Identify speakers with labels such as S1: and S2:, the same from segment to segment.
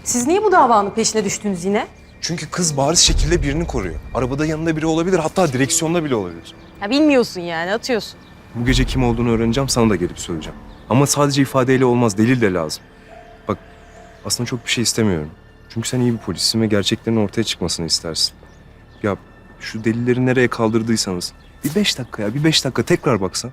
S1: Siz niye bu davanın peşine düştünüz yine?
S2: Çünkü kız bariz şekilde birini koruyor. Arabada yanında biri olabilir, hatta direksiyonda bile olabilir.
S1: Ya bilmiyorsun yani, atıyorsun.
S2: Bu gece kim olduğunu öğreneceğim, sana da gelip söyleyeceğim. Ama sadece ifadeyle olmaz, delil de lazım. Bak, aslında çok bir şey istemiyorum. Çünkü sen iyi bir polissin ve gerçeklerin ortaya çıkmasını istersin. Ya şu delilleri nereye kaldırdıysanız bir 5 dakika ya, bir 5 dakika tekrar baksan.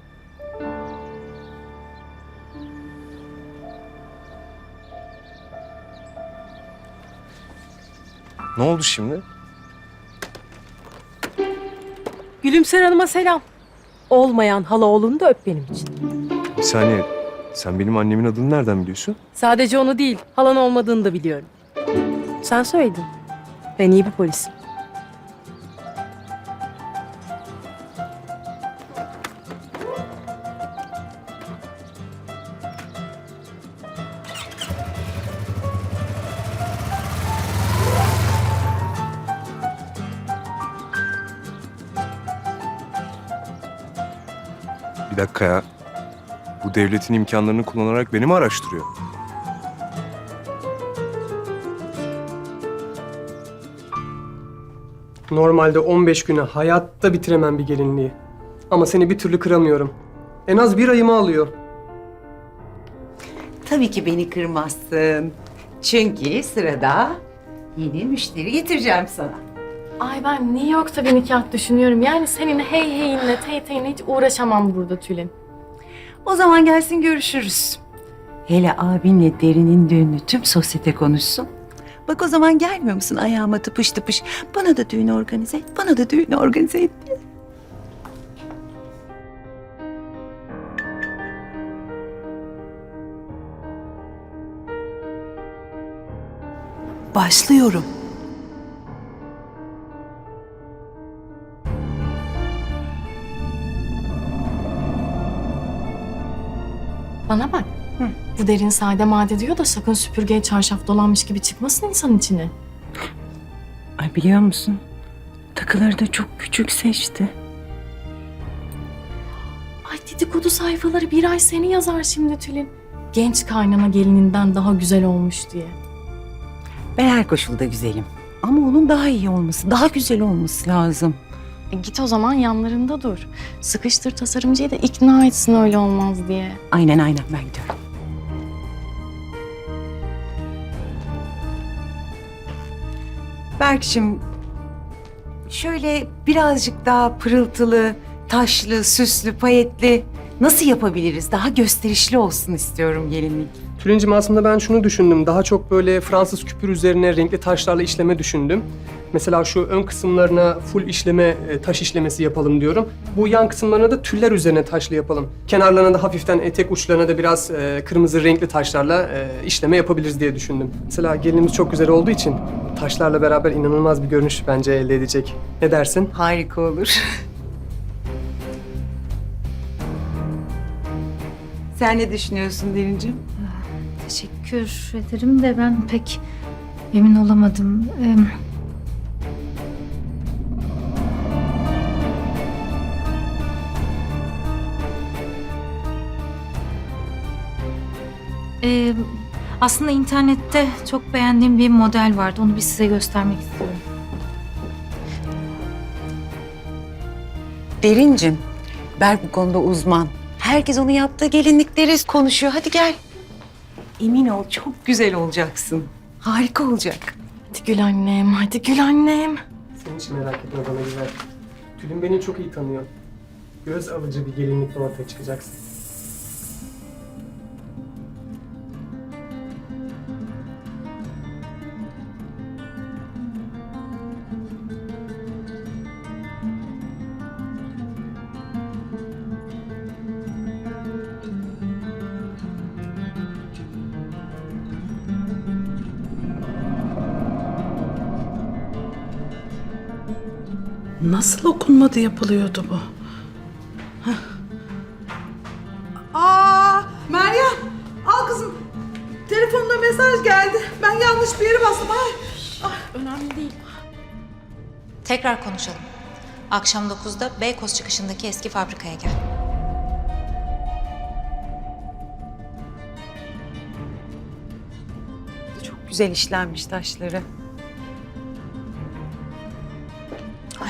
S2: Ne oldu şimdi?
S1: Gülümser Hanım'a selam. Olmayan hala oğlunu da öp benim için.
S2: Bir saniye, sen benim annemin adını nereden biliyorsun?
S1: Sadece onu değil, halan olmadığını da biliyorum. Sen söyledin. Ben iyi bir polisim.
S2: Bir dakika ya. Bu devletin imkanlarını kullanarak beni mi araştırıyor?
S3: Normalde 15 güne hayatta bitiremem bir gelinliği. Ama seni bir türlü kıramıyorum. En az bir ayımı alıyor.
S4: Tabii ki beni kırmazsın. Çünkü sırada yeni müşteri getireceğim sana.
S5: Ay ben New York'ta bir nikah düşünüyorum. Yani senin hey heyinle tey teyinle hiç uğraşamam burada Tülin.
S4: O zaman gelsin görüşürüz. Hele abinle Derin'in düğünü tüm sosyete konuşsun. Bak o zaman gelmiyor musun ayağıma tıpış tıpış? Bana da düğün organize et, bana da düğün organize et diye. Başlıyorum.
S5: Bana bak. Bu Derin sade made diyor da sakın süpürgeye çarşaf dolanmış gibi çıkmasın insanın içine.
S4: Ay biliyor musun? Takıları da çok küçük seçti.
S5: Ay dedikodu sayfaları bir ay seni yazar şimdi Tülin. Genç kaynana gelininden daha güzel olmuş diye.
S4: Ben her koşulda güzelim. Ama onun daha iyi olması, daha güzel olması lazım.
S5: Git o zaman yanlarında dur. Sıkıştır tasarımcıyı da ikna etsin öyle olmaz diye.
S4: Aynen ben gidiyorum. Berk'cim şöyle birazcık daha pırıltılı, taşlı, süslü, payetli nasıl yapabiliriz? Daha gösterişli olsun istiyorum gelinlik.
S3: Tülincim aslında ben şunu düşündüm. Daha çok böyle Fransız küpür üzerine renkli taşlarla işleme düşündüm. Mesela şu ön kısımlarına full işleme, taş işlemesi yapalım diyorum. Bu yan kısımlarına da tüller üzerine taşlı yapalım. Kenarlarına da hafiften etek uçlarına da biraz kırmızı renkli taşlarla işleme yapabiliriz diye düşündüm. Mesela gelinimiz çok güzel olduğu için taşlarla beraber inanılmaz bir görünüş bence elde edecek. Ne dersin?
S4: Harika olur. Sen ne düşünüyorsun Derincim?
S6: Teşekkür ederim de ben pek emin olamadım. Aslında internette çok beğendiğim bir model vardı. Onu bir size göstermek istiyorum.
S4: Derincim, Berk bu konuda uzman. Herkes onu yaptığı gelinlikleri konuşuyor. Hadi gel. Emin ol çok güzel olacaksın. Harika olacak.
S5: Hadi gül annem, hadi gül annem.
S3: Sen hiç merak etme bana güzel. Tülin beni çok iyi tanıyor. Göz alıcı bir gelinlikle ortaya çıkacaksın.
S7: Nasıl okunmadı yapılıyordu bu?
S8: Meryem, al kızım. Telefonuna mesaj geldi. Ben yanlış bir yere bastım. Ay.
S5: Önemli değil.
S6: Tekrar konuşalım. Akşam 9'da Beykoz çıkışındaki eski fabrikaya gel.
S4: Çok güzel işlenmiş taşları.
S6: Ay.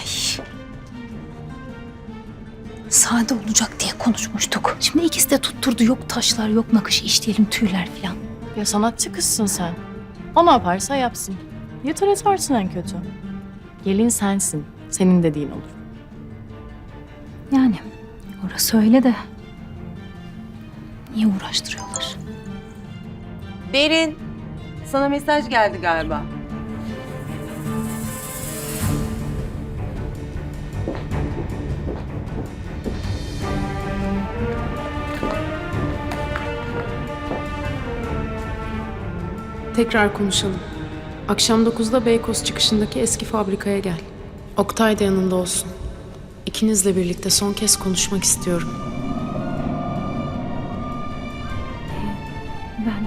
S6: Sade olacak diye konuşmuştuk. Şimdi ikisi de tutturdu. Yok taşlar, yok nakış işleyelim, tüyler falan.
S5: Ya sanatçı kızsın sen. O ne yaparsa yapsın. Yeter etarsın en kötü. Gelin sensin. Senin dediğin olur.
S6: Yani orası öyle de. Niye uğraştırıyorlar?
S4: Berin, sana mesaj geldi galiba.
S9: Tekrar konuşalım. Akşam 9'da Beykoz çıkışındaki eski fabrikaya gel. Oktay da yanında olsun. İkinizle birlikte son kez konuşmak istiyorum.
S6: Ben...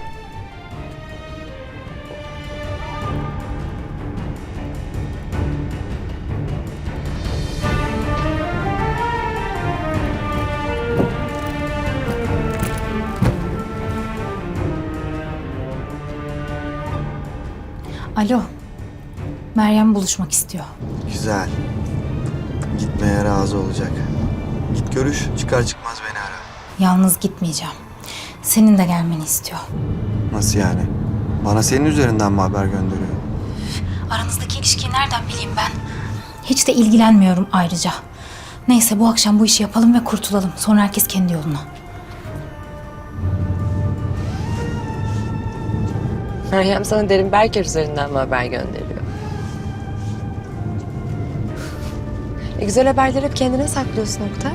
S6: Alo. Meryem buluşmak istiyor.
S10: Güzel. Gitmeye razı olacak. Git görüş, çıkar çıkmaz beni ara.
S6: Yalnız gitmeyeceğim. Senin de gelmeni istiyor.
S10: Nasıl yani? Bana senin üzerinden mi haber gönderiyor?
S6: Aranızdaki ilişkiyi nereden bileyim ben? Hiç de ilgilenmiyorum ayrıca. Neyse bu akşam bu işi yapalım ve kurtulalım. Sonra herkes kendi yoluna.
S11: Meryem sana Derin Berker üzerinden mi haber gönderiyor? Güzel haberleri hep kendine saklıyorsun Oktay.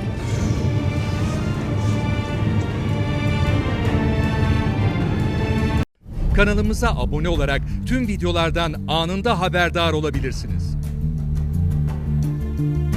S12: Kanalımıza abone olarak tüm videolardan anında haberdar olabilirsiniz.